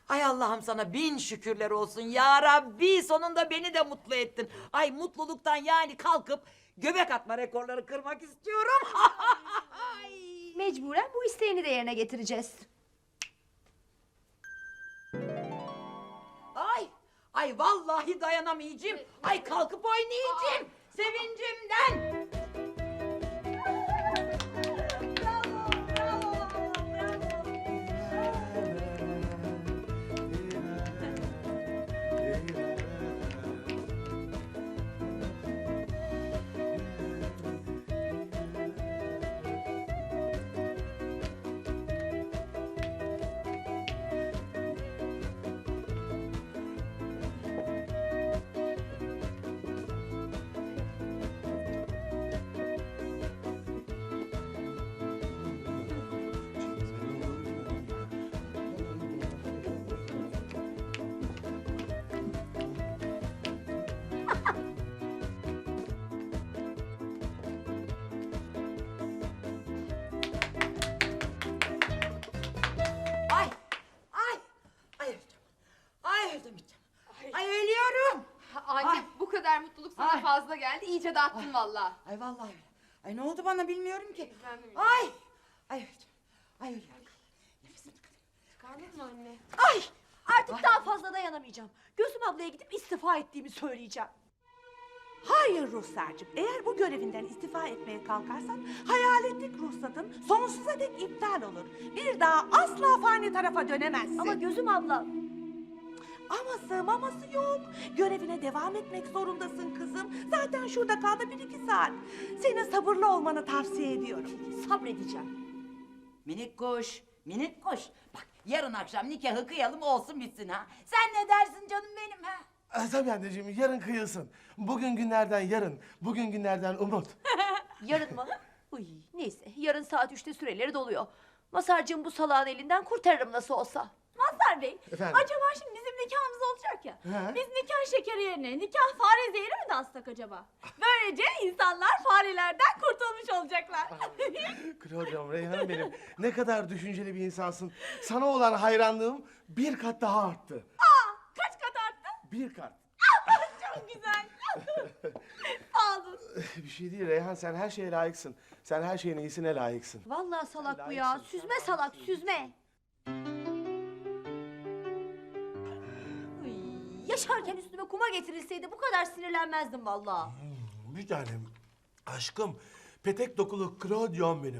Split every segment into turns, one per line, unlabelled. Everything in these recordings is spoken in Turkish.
Ay Allah'ım sana bin şükürler olsun ya Rabbi, sonunda beni de mutlu ettin. Ay mutluluktan yani kalkıp göbek atma rekorları kırmak istiyorum. Ay.
Mecburen bu isteğini de yerine getireceğiz.
Ay vallahi dayanamayacağım. Ay kalkıp oynayacağım sevincimden. Ay, ay, ay öleceğim. Ay öldüm. Ay ölüyorum.
Anne
Ay.
bu kadar mutluluk sana
Ay.
fazla geldi. İyice dağıttın valla.
Ay vallahi öyle. Ay ne oldu bana bilmiyorum ki.
Ben de bilmiyorum.
Ay öleceğim. Ay ölüyorum. Nefesimi tıkadım.
Çıkardın mı anne?
Ay! Artık daha fazla dayanamayacağım. Gözüm ablaya gidip istifa ettiğimi söyleyeceğim.
Hayır Ruhsar'cığım, eğer bu görevinden istifa etmeye kalkarsan hayaletlik ruhsatın sonsuza dek iptal olur. Bir daha asla fani tarafa dönemezsin.
Ama gözüm abla...
Aması maması yok. Görevine devam etmek zorundasın kızım. Zaten şurada kaldı 1-2 saat. Senin sabırlı olmanı tavsiye ediyorum.
Sabredeceğim.
Minik kuş, minik kuş. Bak yarın akşam nikahı kıyalım olsun bitsin ha. Sen ne dersin canım benim ha?
Tabii anneciğim, yarın kıyılsın. Bugün günlerden yarın, bugün günlerden umut.
Yarın mı? Uy, neyse yarın saat 3'te süreleri doluyor. Masarcığım bu salağın elinden kurtarırım nasıl olsa.
Mazhar Bey,
Efendim?
acaba şimdi bizim nikahımız olacak ya.
He?
Biz nikah şekeri yerine nikah fare zehri mi dağıtsak acaba? Böylece insanlar farelerden kurtulmuş olacaklar.
Claudia'm, Reyhan'ım benim. Ne kadar düşünceli bir insansın. Sana olan hayranlığım bir kat daha arttı.
Kaç kat arttı?
Bir kat.
Çok güzel. Sağ olun.
Bir şey değil Reyhan, sen her şeye layıksın. Sen her şeyin iyisine layıksın.
Vallahi salak bu ya.
Layıksın.
Süzme salak süzme. Uy, yaşarken üstüme kuma getirilseydi bu kadar sinirlenmezdim vallahi.
Bir tanem. Aşkım, petek dokulu Claudia'm benim.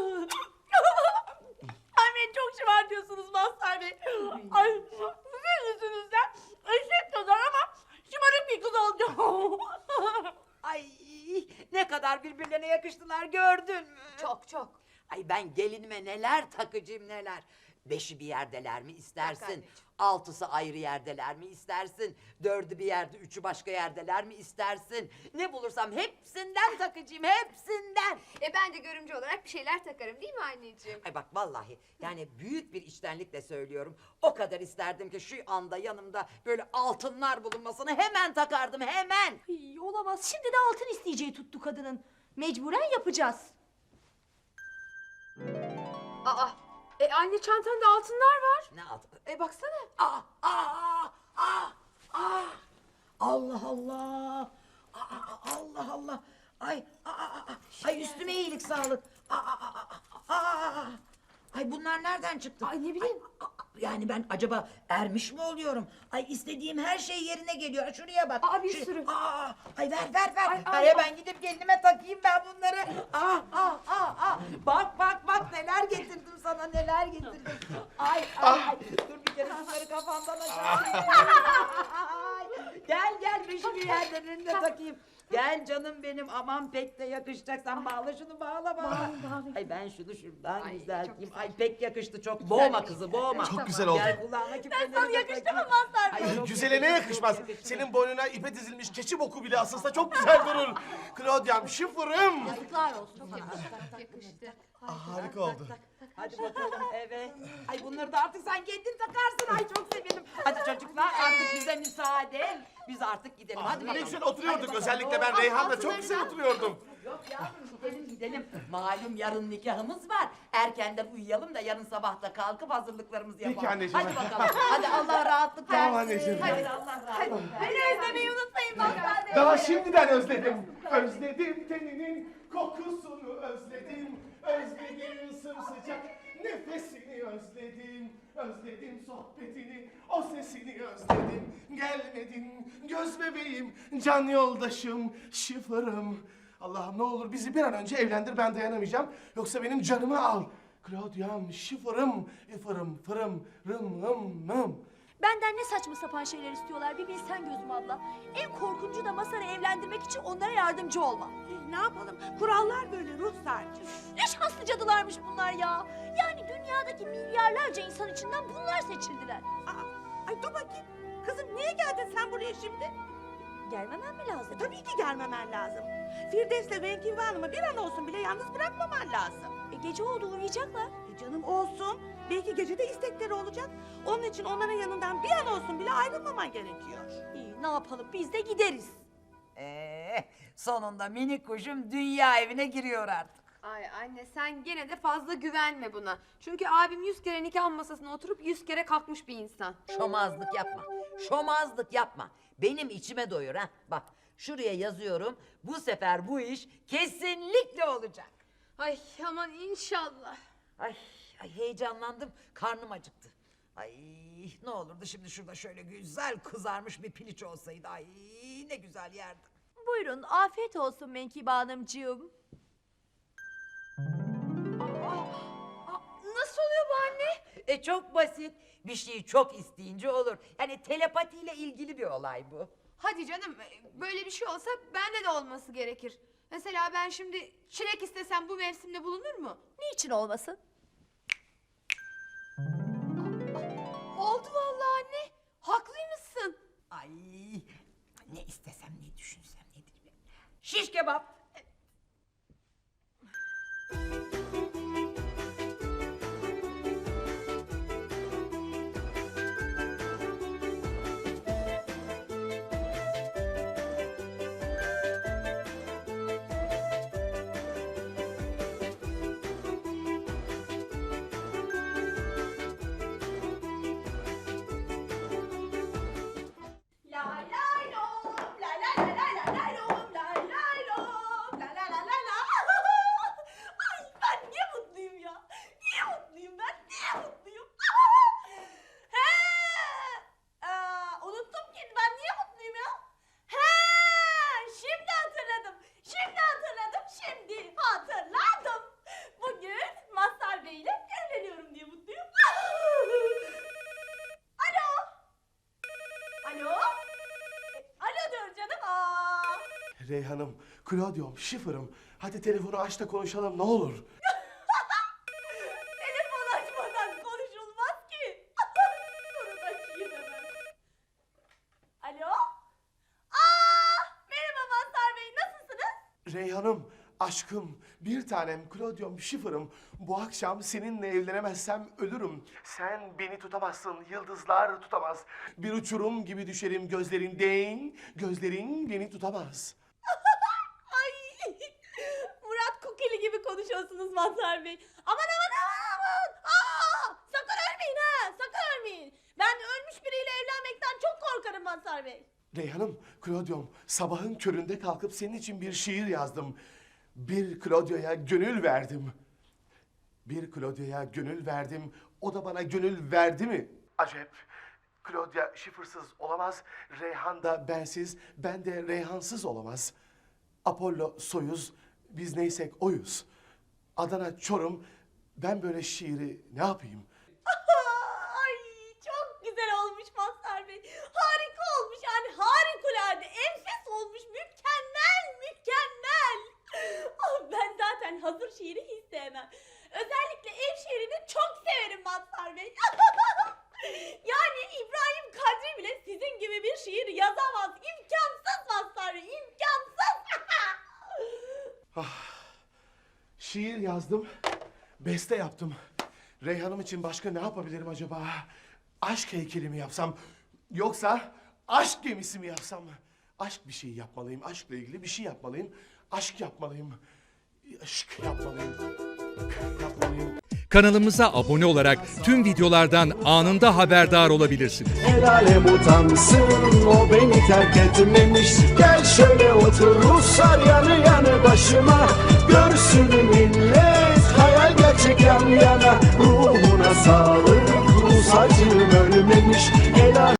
Ay beni çok şımartıyorsunuz Mazhar Bey. Ay sizin yüzünüzden eşek kadar ama şımarık bir kız olacağım.
Ay ne kadar birbirlerine yakıştılar gördün mü?
Çok çok.
Ay ben gelinime neler takıcıyım neler. 5'i bir yerdeler mi
Bak
istersin?
anneciğim.
6'sı ayrı yerdeler mi istersin? 4'ü bir yerde, 3'ü başka yerdeler mi istersin? Ne bulursam hepsinden takıcıyım, hepsinden.
Ben de görümcü olarak bir şeyler takarım değil mi anneciğim?
Ay bak vallahi yani büyük bir içtenlikle söylüyorum. O kadar isterdim ki şu anda yanımda böyle altınlar bulunmasını hemen takardım hemen.
Ay, olamaz. Şimdi de altın isteyeceği tuttu kadının. Mecburen yapacağız.
Aa, anne çantanda altınlar var.
Ne altın?
Baksana.
Allah Allah. Allah Allah. Ay üstüme iyilik sağlık. Ay bunlar nereden çıktı?
Ay, ne bileyim.
Yani ben acaba ermiş mi oluyorum? Ay istediğim her şey yerine geliyor. Şuraya bak.
Bir sürü.
Ay ver.
Ay,
Hemen gidip gelinime takayım ben bunları. Bak neler getirdim sana neler getirdim. Ay. Dur bir kere bunları kafamdan aşağı. Gel beşi bir yerlerine takayım. Gel canım benim, aman pek de yakışacak. Sen bağla şunu, bağla. Ay ben şunu şuradan
Ay,
düzelteyim.
çok
Ay pek yakıştı, çok boğma kızı, boğma.
Çok güzel oldu.
Gel kulağına küpeleri
Sana
de
yakıştı
takayım.
mı Mazhar Bey?
Ay, çok
Güzele ne
yakıştı,
yakışmaz?
çok yakıştı.
Senin boynuna ipe dizilmiş keçi boku bile asılsa çok güzel durur. Claudia'm, şıfırım.
Yazıklar olsun.
Çok yakıştı.
Harika oldu.
Hadi bakalım eve. Ay bunları da artık sen kendin takarsın. Ay çok sevindim. Hadi çocuklar artık bize müsaade. Biz artık gidelim. Hadi
Ne
bakalım.
güzel oturuyorduk.
Hadi bakalım.
Özellikle ben Reyhan'la çok güzel oturuyordum.
Yok yavrum gidelim gidelim. Malum yarın nikahımız var. Erkenden uyuyalım da yarın sabah da kalkıp hazırlıklarımızı yapalım.
Peki anneciğim.
Hadi bakalım. Hadi Allah rahatlık versin.
Tamam anneciğim.
Hadi Allah rahatlık versin.
Beni özlemeyi unutmayın Mazhar Bey.
Daha şimdiden özledim. Özledim teninin kokusunu özledim. Özledim sımsıcak nefesini özledim. Özledim sohbetini, o sesini özledim. Gelmedin göz bebeğim, can yoldaşım, şifırım. Allah'ım ne olur bizi bir an önce evlendir, ben dayanamayacağım. Yoksa benim canımı al. Claudia'm, şifırım, ifırım, fırım, rım, rım, rım.
Benden ne saçma sapan şeyler istiyorlar bir bilsen Gözüm abla. En korkuncu da Mazhar'ı evlendirmek için onlara yardımcı olmam.
Ne yapalım? Kurallar böyle Ruhsar'cığım.
Ne şanslı cadılarmış bunlar ya. Yani dünyadaki milyarlarca insan içinden bunlar seçildiler.
Ay dur bakayım. Kızım niye geldin sen buraya şimdi?
Gelmemem mi lazım?
Tabii ki gelmemen lazım. Firdevs'le Venkive Hanım'ı bir an olsun bile yalnız bırakmaman lazım.
Gece oldu uyuyacaklar.
Canım olsun. Belki gecede istekleri olacak. Onun için onların yanından bir an olsun bile ayrılmaman gerekiyor.
İyi ne yapalım biz de gideriz.
Sonunda minik kuşum dünya evine giriyor artık.
Ay anne sen gene de fazla güvenme buna. Çünkü abim 100 kere nikah masasına oturup 100 kere kalkmış bir insan.
Şomazlık yapma. Şomazlık yapma. Benim içime doyur ha. Bak şuraya yazıyorum. Bu sefer bu iş kesinlikle olacak.
Ay aman inşallah.
Ay heyecanlandım. Karnım acıktı. Ay ne olurdu şimdi şurada şöyle güzel kızarmış bir piliç olsaydı. Ay ne güzel yerdim.
Buyurun afiyet olsun Menkibe Hanımcığım.
Nasıl oluyor bu anne?
Çok basit. Bir şeyi çok isteyince olur. Yani telepatiyle ilgili bir olay bu.
Hadi canım böyle bir şey olsa bende de olması gerekir. Mesela ben şimdi çilek istesem bu mevsimde bulunur mu?
Niçin olmasın?
Oldu vallahi anne. Haklıymışsın.
Ay ne istesem ne düşünsem nedir be? Şiş kebap.
Lay lay lom, lay lay lay lay lay lay lom, lay lay lom, la la la la la. Ay ben niye mutluyum ya? Niye mutluyum ben? Niye mutluyum? He! Unuttum ki ben niye mutluyum ya? He! Şimdi hatırladım. Şimdi hatırladım. Şimdi hatırladım. Bugün Mazhar Bey ile evleniyorum diye mutluyum. Alo! Alo? Alo diyor canım.
Reyhan'ım, Claudia'm, şifırım. Hadi telefonu aç da konuşalım ne olur.
Telefon açmadan konuşulmaz ki. Durun açayım hemen. Alo? Merhaba Mazhar Bey nasılsınız?
Reyhan'ım, aşkım, bir tanem, Claudia'm, şifırım. Bu akşam seninle evlenemezsem ölürüm. Sen beni tutamazsın, yıldızlar tutamaz. Bir uçurum gibi düşerim gözlerinden, gözlerin beni tutamaz.
Ay Murat Kukili gibi konuşuyorsunuz Mazhar Bey. Aman aman aman aman. Sakın ölmeyin ha sakın ölmeyin. Ben ölmüş biriyle evlenmekten çok korkarım Mazhar Bey.
Reyhan'ım, Claudia'm, sabahın köründe kalkıp senin için bir şiir yazdım. Bir Claudia'ya gönül verdim. Bir Claudia'ya gönül verdim, o da bana gönül verdi mi? Acep, Claudia şifırsız olamaz, Reyhan da bensiz, ben de Reyhansız olamaz. Apollo Soyuz, biz neysek oyuz. Adana Çorum, ben böyle şiiri ne yapayım?
Ay çok güzel olmuş Mazhar Bey. Harika olmuş yani harikulade enfes olmuş mükemmel mükemmel. Ben zaten hazır şiiri hiç sevmem. Özellikle ev şiirini çok severim Mazhar Bey. Yani İbrahim Kadri bile sizin gibi bir şiir yazamaz. İmkansız Mazhar Bey imkansız.
Şiir yazdım, beste yaptım. Reyhan'ım için başka ne yapabilirim acaba? Aşk heykeli mi yapsam? Yoksa aşk gemisi mi yapsam? Aşk bir şey yapmalıyım, aşkla ilgili bir şey yapmalıyım. Aşk yapmalıyım. Aşk yapmalıyım. Yapmalıyım.
Kanalımıza abone olarak tüm videolardan anında haberdar olabilirsiniz.
El alem utansın, o beni terk etmemiş. Gel şöyle otur Ruslar yanı yanı başıma. Görsün millet, hayal gerçek yan yana. Ruhuna sağlık, Rus acım ölmemiş. El alem